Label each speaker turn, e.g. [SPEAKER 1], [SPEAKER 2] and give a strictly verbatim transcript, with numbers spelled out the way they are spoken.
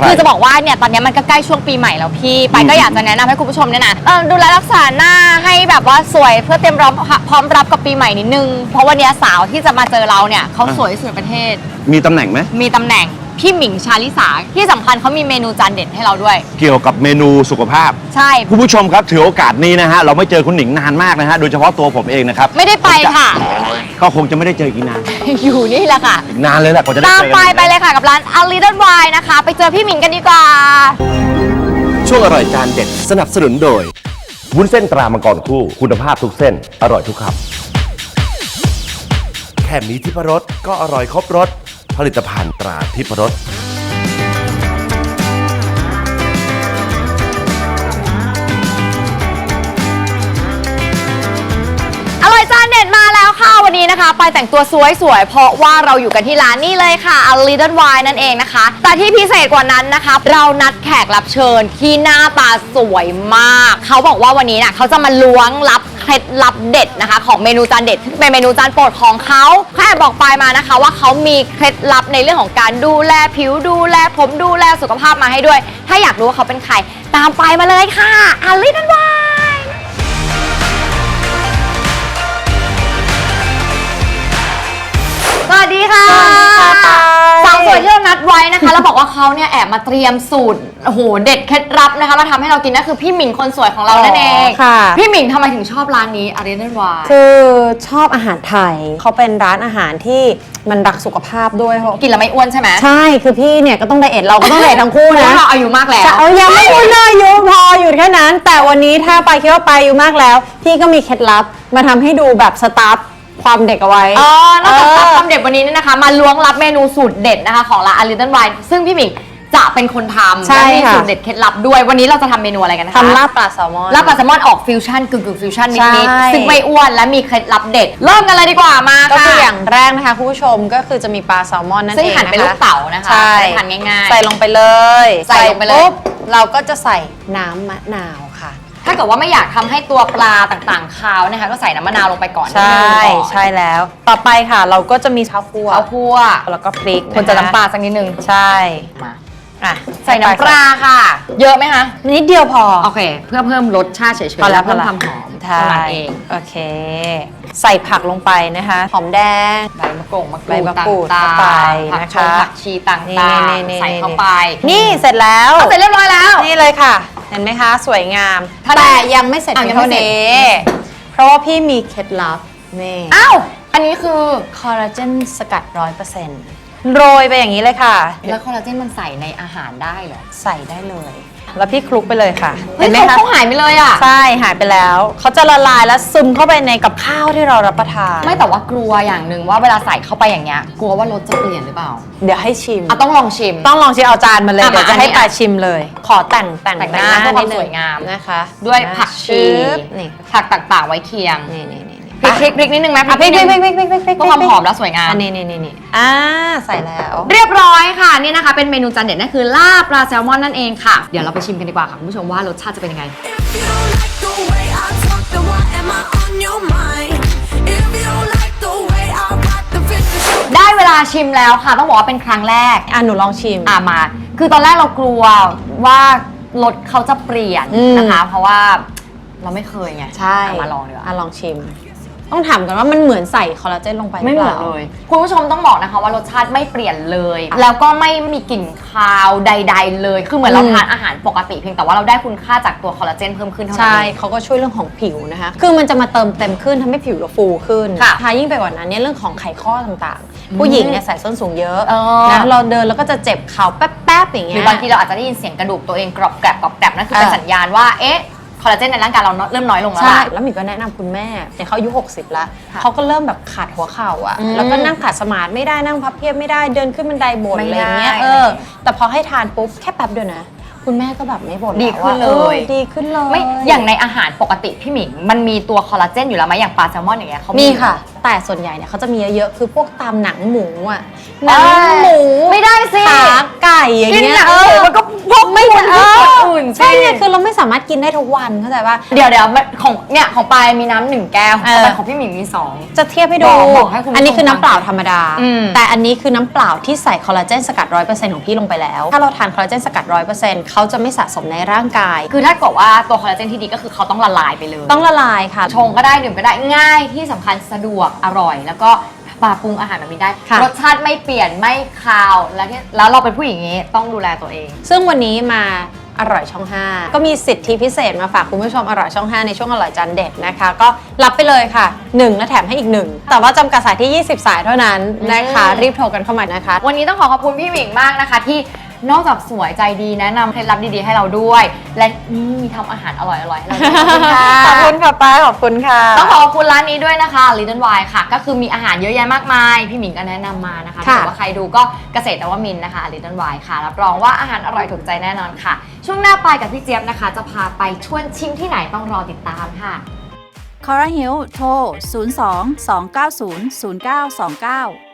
[SPEAKER 1] คือจะบอกว่าเนี่ยตอนนี้มันก็ใกล้ช่วงปีใหม่แล้วพี่ไปก็อยากจะแนะนำให้คุณผู้ชมเนี่ยนะดูแลรักษาหน้าให้แบบว่าสวยเพื่อเตรียมรับพร้อมรับกับปีใหม่นิดนึงเพราะวันนี้สาวที่จะมาเจอเราเนี่ยเขาสวยที่สุดในประเทศ
[SPEAKER 2] มีตำแหน่งไหม
[SPEAKER 1] มีตำแหน่งพี่หมิงชาลิสาที่สำคัญเขามีเมนูจานเด็ดให้เราด้วย
[SPEAKER 2] เกี่ยวกับเมนูสุขภาพ
[SPEAKER 1] ใช่
[SPEAKER 2] คุณผู้ชมครับถือโอกาสนี้นะฮะเราไม่เจอคุณหนิงนานมากนะฮะโดยเฉพาะตัวผมเองนะครับ
[SPEAKER 1] ไม่ได้ไปค่ะ
[SPEAKER 2] ก็คงจะไม่ได้เจออีกนาน
[SPEAKER 1] อยู่นี่แหละค่ะ
[SPEAKER 2] นานเลยแหละกว่าจะได้เจอ
[SPEAKER 1] ตามไปไปเลยค่ะกับร้าน A Little Wine นะคะไปเจอพี่หมิงกันดีกว่า
[SPEAKER 3] ช่วงอร่อยจานเด็ดสนับสนุนโดยวุ้นเส้นตรามังกรคู่คุณภาพทุกเส้นอร่อยทุกคำแค่มีทิพรสก็อร่อยครบรสผลิตภัณฑ์ตราทิพรส
[SPEAKER 1] อร่อยจานเด็ดมาแล้วค่ะวันนี้นะคะไปแต่งตัวสวยๆเพราะว่าเราอยู่กันที่ร้านนี่เลยค่ะ A Little Wine นั่นเองนะคะแต่ที่พิเศษกว่านั้นนะคะเรานัดแขกรับเชิญที่หน้าตาสวยมากเขาบอกว่าวันนี้น่ะเขาจะมาล้วงลับเคล็ดลับเด็ดนะคะของเมนูจานเด็ดที่เป็นเมนูจานโปรดของเขาแค่บอกไปมานะคะว่าเขามีเคล็ดลับในเรื่องของการดูแลผิวดูแลผมดูแลสุขภาพมาให้ด้วยถ้าอยากรู้ว่าเขาเป็นใครตามไปมาเลยค่ะ A Little Wineสวัสดีค่ะสาวสวยที่เรานัดไว้นะคะแล้วบอกว่าเขาเนี่ยแอบมาเตรียมสูตรโอ้โหเด็ดเคล็ดลับนะคะมาทำให้เรากินนั่นคือพี่หมิงคนสวยของเรานั่นเอง
[SPEAKER 4] ค่ะ
[SPEAKER 1] พี่หมิงทำไมถึงชอบร้านนี้ A Little Wine
[SPEAKER 4] คือชอบอาหารไทยเขาเป็นร้านอาหารที่มันรักสุขภาพด้วยเพราะ
[SPEAKER 1] กินแล้วไม่อ้วนใช่ไหม
[SPEAKER 4] ใช่คือพี่เนี่ยก็ต้องไดเอทเราก็ต้องไดเอททั้งคู่นะ
[SPEAKER 1] เราอายุมากแล้ว
[SPEAKER 4] เอายังไม่อ้วนเลยอายุพออยู่แค่นั้นแต่วันนี้ถ้าไปคิดว่าไปอายุมากแล้วพี่ก็มีเคล็ดลับมาทำให้ดูแบบสตาร์ทความเด็กเอาไว้
[SPEAKER 1] อ๋อนอกจากสตาร์ทความเด็กวันนี้เนี่ยนะคะมาล้วงลับเมนูสูตรเด็ดนะคะของร้าน A Little Wine ซึ่งพี่หมิงจะเป็นคนทำและมีสูตรเด็ดเคล็ดลับด้วยวันนี้เราจะทำเมนูอะไรกันนะคะ
[SPEAKER 4] ทำลาบปลาแซลมอน
[SPEAKER 1] ลาบปลาแซลมอนออกฟิวชั่นกึ่งกึ่งฟิวชั่นนิดๆซึ่งไม่อ้วนและมีเคล็ดลับเด็ดเริ่มกันเลยดีกว่ามา
[SPEAKER 4] ก็คืออย่างแรกนะคะคุณผู้ชมก็คือจะมีปลาแซลมอนนั่นเองนะคะซึ่ง
[SPEAKER 1] หั่นเป็นลูกเต๋านะคะ
[SPEAKER 4] ใช่
[SPEAKER 1] หั่นง่ายๆ
[SPEAKER 4] ใส่ลงไปเลย
[SPEAKER 1] ใส่ลงไปเลย
[SPEAKER 4] ปุ๊บเราก็จะใส่น้ำมะนาวค่ะ
[SPEAKER 1] ถ้าเกิดว่าไม่อยากทำให้ตัวปลาต่างๆคาวนะคะก็ใส่น้ำมะนาวลงไปก่อน
[SPEAKER 4] ใช่ใช่แล้วต่อไปค่ะเราก็จะมีข้าวคั่ว
[SPEAKER 1] ข้าวคั่ว
[SPEAKER 4] แล้วก็พริก
[SPEAKER 1] คนจะน้ำปลาสักนิดนึง
[SPEAKER 4] ใช่
[SPEAKER 1] มา
[SPEAKER 4] อ่ะ
[SPEAKER 1] ใส่น้ำปลาค่ะเยอะไหมคะ
[SPEAKER 4] นิดเดียวพอ
[SPEAKER 1] โอเคเพื่อเพิ่มรสชาติเฉยๆ
[SPEAKER 4] พอแล้ว
[SPEAKER 1] เพิ่มความหอม
[SPEAKER 4] ใช่
[SPEAKER 1] เอง
[SPEAKER 4] โอเคใส่ผักลงไปนะคะหอมแดง
[SPEAKER 1] ใบมะกรูดมะกรูด
[SPEAKER 4] ใบมะกรูดเข้าไปนะคะ
[SPEAKER 1] ผักชีต่างๆใส่เข้าไป
[SPEAKER 4] นี่เสร็จแล้ว
[SPEAKER 1] เสร็จเรียบร้อยแล้ว
[SPEAKER 4] นี่เลยค่ะเห็นไหมคะสวยงามแต่ยังไม่เสร็จเท่านี้เพราะว่าพี่มีเคล็ดลับนี่
[SPEAKER 1] อ้าวอันนี้คือ
[SPEAKER 4] คอลลาเจนสกัด ร้อยเปอร์เซ็นต์ โรยไปอย่างนี้เลยค่ะ
[SPEAKER 1] แล้วคอลลาเจนมันใส่ในอาหารได้เหรอ
[SPEAKER 4] ใส่ได้เลยแล้วพี่คลุกไปเลยค่ะ
[SPEAKER 1] เห็นไหมคะเขาหายไปเลยอ่ะ
[SPEAKER 4] ใช่หายไปแล้วเขาจะละลายแล้วซึมเข้าไปในกับข้าวที่เรารับประทาน
[SPEAKER 1] ไม่แต่ว่ากลัวอย่างหนึ่งว่าเวลาใส่เข้าไปอย่างเงี้ยกลัวว่ารสจะเปลี่ยนหรือเปล่า
[SPEAKER 4] เดี๋ยวให้ชิม
[SPEAKER 1] อ่ะต้องลองชิม
[SPEAKER 4] ต้องลองชิมเอาจานมาเลยเดี๋ยวจะให้ปลาชิมเลยขอแต่งแต่ง
[SPEAKER 1] แต่งหน้าเพื่อความสวยงาม
[SPEAKER 4] นะคะ
[SPEAKER 1] ด้วยผักชีผักต่างๆไว้เคียง
[SPEAKER 4] นี่นี่
[SPEAKER 1] พริกพริกนิดนึงไหม
[SPEAKER 4] พริกพริกพริกพริกพริกพริกพริก
[SPEAKER 1] เพื่อความหอมและสวยงาม
[SPEAKER 4] นี่นี่นี่นี่อ่าใส่แล้ว
[SPEAKER 1] เรียบร้อยค่ะนี่นะคะเป็นเมนูจานเด็ดนั่นคือลาบปลาแซลมอนนั่นเองค่ะเดี๋ยวเราไปชิมกันดีกว่าค่ะคุณผู้ชมว่ารสชาติจะเป็นยังไงได้เวลาชิมแล้วค่ะต้องบอกว่าเป็นครั้งแรก
[SPEAKER 4] อ่ะหนูลองชิม
[SPEAKER 1] อ่ะมาคือตอนแรกเรากลัวว่ารสเขาจะเปลี่ยนนะคะเพราะว่าเราไม่เคยไง
[SPEAKER 4] ใช่
[SPEAKER 1] มาลองดีกว่า
[SPEAKER 4] อ่ะลองชิมต้องถามกันว่ามันเหมือนใส่คอลลาเจนลงไป
[SPEAKER 1] ไม่เหมือนเลยคุณผู้ชมต้องบอกนะคะว่ารสชาติไม่เปลี่ยนเลยแล้วก็ไม่มีกลิ่นคาวใดๆเลยคือเหมือนเราทานอาหารปกติเพียงแต่ว่าเราได้คุณค่าจากตัวคอลลาเจนเพิ่มขึ้นเท่านั้น
[SPEAKER 4] ใช่เขาก็ช่วยเรื่องของผิวนะคะคือมันจะมาเติมเต็มขึ้นทำให้ผิวเราฟูขึ้นถ้ายิ่งไปกว่านั้นเนี่ยเรื่องของไขข้อต่างๆผู้หญิงเนี่ยใส่ส้นสูงเยอะนะเราเดินแล้วก็จะเจ็บเข่าแป๊บๆอย่างเงี้ย
[SPEAKER 1] หรือบางทีเราอาจจะได้ยินเสียงกระดูกตัวเองกรอบแกรบกรอบแกรบนั่นคือเป็นสัญญาณว่าเอ๊ะคอลลาเจนในร่างกายเราเริ่มน้อยลงแล้วใช่
[SPEAKER 4] แล้วหมิวก็แนะนำคุณแม่เนี่ยเขาอายุหกสิบแล้วเขาก็เริ่มแบบขาดหัวเข่าอ่ะแล้วก็นั่งขัดสมาธิไม่ได้นั่งพับเพียบไม่ได้เดินขึ้นบันไดบ่นอะไรเงี้ยเออแต่พอให้ทานปุ๊บแค่แป๊บเดียวนะคุณแม่ก็แบบไม่บ่น
[SPEAKER 1] ดีขึ้นเลย
[SPEAKER 4] ดีขึ้นเลย
[SPEAKER 1] ไม่อย่างในอาหารปกติพี่หมิงมันมีตัวคอลลาเจนอยู่แล้วไหมอย่างปลาแซลมอนอย่างเงี้ยเขา
[SPEAKER 4] มีค่ะแต่ส่วนใหญ่เนี่ยเขาจะมีเยอะๆคือพวกตามหนังหมูอ่ะห
[SPEAKER 1] เอ้
[SPEAKER 4] นั
[SPEAKER 1] ย
[SPEAKER 4] งหมู
[SPEAKER 1] ไม่ได้สิ
[SPEAKER 4] ขาไก่อย่าง
[SPEAKER 1] กิน
[SPEAKER 4] เงี้ย
[SPEAKER 1] หนัง
[SPEAKER 4] เอ
[SPEAKER 1] หมู
[SPEAKER 4] อ
[SPEAKER 1] มันก็พกไม่ได้อื่น
[SPEAKER 4] ใช่ไงคือเราไม่สามารถกินได้ทุกวันเข้าใจป่ะ
[SPEAKER 1] เดี๋ยวเดี๋ยวมันของเนี่ยของปายมีน้ำหนึ่งแก้วของ
[SPEAKER 4] เออ
[SPEAKER 1] ปายของพี่หมิงมีสอง
[SPEAKER 4] จะเทียบให้ดู
[SPEAKER 1] บอกบอกให้คุณผู้ชม
[SPEAKER 4] อันนี้คือน้ำเปล่าธรรมดา
[SPEAKER 1] อืม
[SPEAKER 4] แต่อันนี้คือน้ำเปล่าที่ใส่คอลลาเจนสกัด ร้อยเปอร์เซ็นต์ ของพี่ลงไปแล้ว ถ้าเราทานคอลลาเจนสกัด ร้อยเปอร์เซ็นต์ เขาจะไม่สะสมในร่างกาย
[SPEAKER 1] คือถ้าเกิดว่าตัวคอลลาเจนที่ดีก็คือเขาต้องละลายไปเลย
[SPEAKER 4] ต้องละลายค่ะ
[SPEAKER 1] ชงก็ได้ดื่มก็ได้ง่ายที่สำคัญสะดวกอร่อย แล้วก็ปรุงอาหารแบบนี้ได้
[SPEAKER 4] ค่ะ
[SPEAKER 1] รสชาติไม่เปลี่ยนไม่คาวแล้วที่แล้วเราเป็นผู้หญิงอย่างนี้ต้องดูแลตัวเอง
[SPEAKER 4] ซึ่งวันนี้มาอร่อยช่อง ห้า ก็มีสิทธิพิเศษมาฝากคุณผู้ชมอร่อยช่อง ห้า ในช่วงอร่อยจานเด็ดนะคะ ก็รับไปเลยค่ะหนึ่งและแถมให้อีกหนึ่งแต่ว่าจำกัดสายที่ยี่สิบสายเท่านั้นนะคะ
[SPEAKER 1] อืม
[SPEAKER 4] รีบโทรกันเข้ามานะคะ
[SPEAKER 1] วันนี้ต้องขอขอบคุณพี่หมิงมากนะคะ ที่นอกจากสวยใจดีแนะนำเคล็ดลับดีๆให้เราด้วย และนี่มีทำอาหารอร่อยๆให้เราด้วยขอบคุณค่ะ
[SPEAKER 4] ขอบคุณค่ะป้าขอบคุณค่ะ
[SPEAKER 1] ต้องขอขอบคุณร้านนี้ด้วยนะคะ Little Wine ค่ะ ก็คือมีอาหารเยอะแยะมากมาย พี่หมิงก็แนะนำมานะคะ
[SPEAKER 4] ค่ะ
[SPEAKER 1] ถ้าเกิดว่าใครดูก็เกษตรนวมินทร์นะคะ Little Wine ค่ะ รับรองว่าอาหารอร่อยถูกใจแน่นอนค่ะ ช่วงหน้าปายกับพี่เจี๊ยบนะคะ จะพาไปชวนชิมที่ไหนต้องรอติดตามค่ะ
[SPEAKER 5] คอร์ฮิลโทร ศูนย์ สอง สอง เก้า ศูนย์ ศูนย์ เก้า สอง เก้า